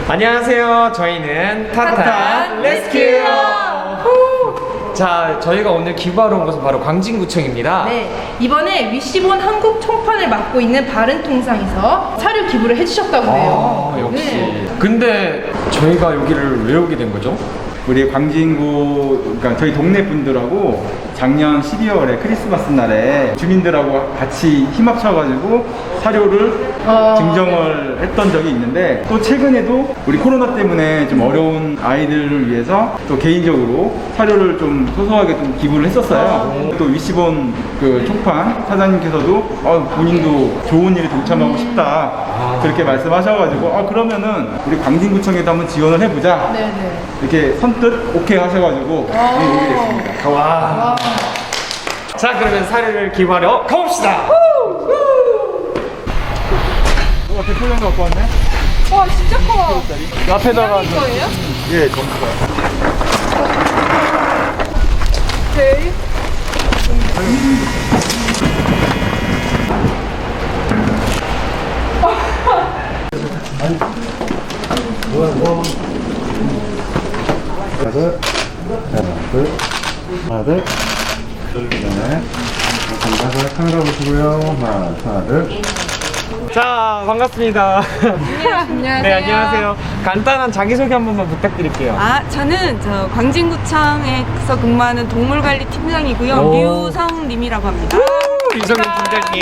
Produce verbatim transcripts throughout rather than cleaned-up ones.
안녕하세요. 저희는 타탄 레스큐. 자, 저희가 오늘 기부하러 온 곳은 바로 광진구청입니다. 네, 이번에 위시본 한국 총판을 맡고 있는 바른통상에서 사료 기부를 해주셨다고 해요. 아, 역시. 네. 근데 저희가 여기를 왜 오게 된 거죠? 우리 광진구, 그러니까 저희 동네 분들하고 작년 십이월에 크리스마스 날에 주민들하고 같이 힘합쳐가지고 사료를 어... 증정을 했던 적이 있는데, 또 최근에도 우리 코로나 때문에 좀 어려운 아이들을 위해서 또 개인적으로 사료를 좀 소소하게 좀 기부를 했었어요. 또 위시본 그 총판 사장님께서도 어, 본인도 좋은 일에 동참하고 싶다 아. 그렇게 말씀하셔가지고 아 그러면은 우리 광진구청에도 한번 지원을 해보자 네네. 이렇게 선뜻 오케이 하셔가지고 네, 오게 됐습니다. 와. 와. 자, 그러면 사료를 기부하러 가봅시다. 어, 대표장 갖고 왔네? 와, 진짜 커. 앞에다가 이거 거예요? 예, 전부 다. 오케이. 하나, 둘, 하나, 둘, 하나, 둘, 네. 감사합니다. 카메라 보시고요. 하나, 하나, 둘. 자, 반갑습니다. 안녕하세요. 네, 안녕하세요. 간단한 자기소개 한 번만 부탁드릴게요. 아, 저는 저 광진구청에서 근무하는 동물관리 팀장이고요. 오. 류성님이라고 합니다. 이성민 팀장님.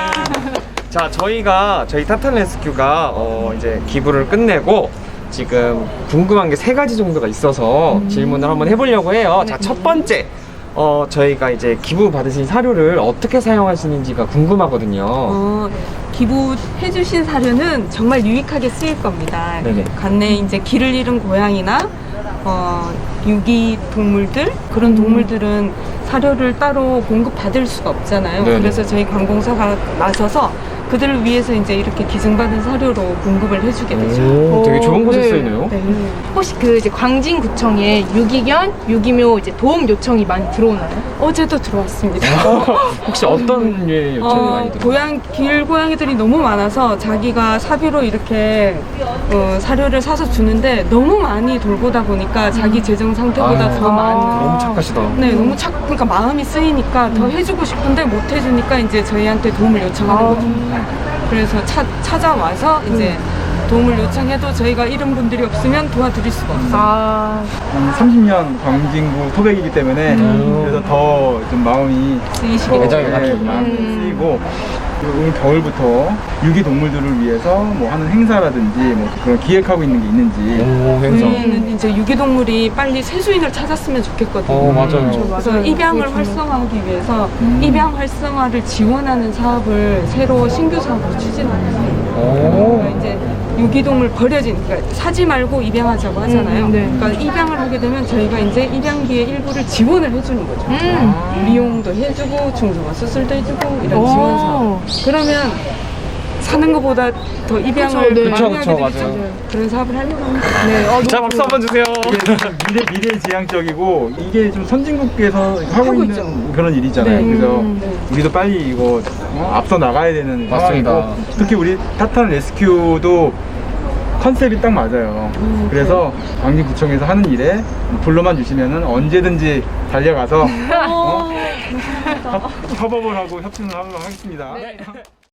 자, 저희가 저희 타탄 레스큐가 어, 이제 기부를 끝내고 지금 궁금한 게 세 가지 정도가 있어서 음. 질문을 한번 해보려고 해요. 자, 첫 번째. 어, 저희가 이제 기부 받으신 사료를 어떻게 사용하시는지가 궁금하거든요. 어, 기부해주신 사료는 정말 유익하게 쓰일 겁니다. 네네. 관내에 이제 길을 잃은 고양이나 어, 유기 동물들 그런 동물들은 사료를 따로 공급받을 수가 없잖아요. 네네. 그래서 저희 관공서가 나서서 그들을 위해서 이제 이렇게 기증받은 사료로 공급을 해주게 되죠. 오, 되게 좋은 곳에 네. 쓰이네요. 네. 혹시 그 이제 광진구청에 유기견, 유기묘 이제 도움 요청이 많이 들어오나요? 어제도 들어왔습니다. 혹시 어떤 류의 요청이 어, 많이 들어요? 고양, 길고양이들이 너무 많아서 자기가 사비로 이렇게 어, 사료를 사서 주는데 너무 많이 돌보다 보니까 자기 재정 상태보다 아, 더 많이. 너무 착하시다. 네, 너무 착, 그러니까 마음이 쓰이니까 더 해주고 싶은데 못 해주니까 이제 저희한테 도움을 요청하는 거죠. 그래서 차, 찾아와서 이제 도움을 요청해도 저희가 이런 분들이 없으면 도와드릴 수가 없어요. 아, 한 삼십 년 광진구 토백이기 때문에 그래서 더 좀 마음이 쓰이시게 더, 애정이 예, 가시고. 마음이 쓰이고, 그리고 오늘 겨울부터 유기 동물들을 위해서 뭐 하는 행사라든지 뭐 그런 기획하고 있는 게 있는지. 오, 행사. 저희는 이제 유기동물이 빨리 새수인을 찾았으면 좋겠거든요. 어, 맞아요. 그래서 맞아요. 입양을 그거 활성화하기 위해서 입양 활성화를 지원하는 사업을 새로 신규 사업으로 추진하고 있어요. 오. 그러니까 이제 유기동물 버려진, 그러니까 사지 말고 입양하자고 하잖아요. 음, 네. 그러니까 입양을 하게 되면 저희가 이제 입양비의 일부를 지원을 해주는 거죠. 음. 미용도 해주고 중성화 수술도 해주고 이런 오. 지원 사업. 그러면 사는 것보다 더 입양을 그쵸, 네. 많이 그쵸, 하게 그쵸, 되겠죠. 맞아요. 그런 사업을 하려고 합니다. 네. 어, 자, 너무 박수 한번 주세요. 이게 좀 미래 미래 지향적이고 이게 좀 선진국에서 하고, 하고 있는 있죠. 그런 일이잖아요. 네. 그래서 음, 네. 우리도 빨리 이거 어, 앞서 나가야 되는 맞습니다. 상황이고, 특히 우리 타탄 레스큐도 컨셉이 딱 맞아요. 음, 그래서 광진구청에서 하는 일에 불러만 주시면은 언제든지 달려가서 어? 협업을 하고 협진을 하도록 하겠습니다. 네.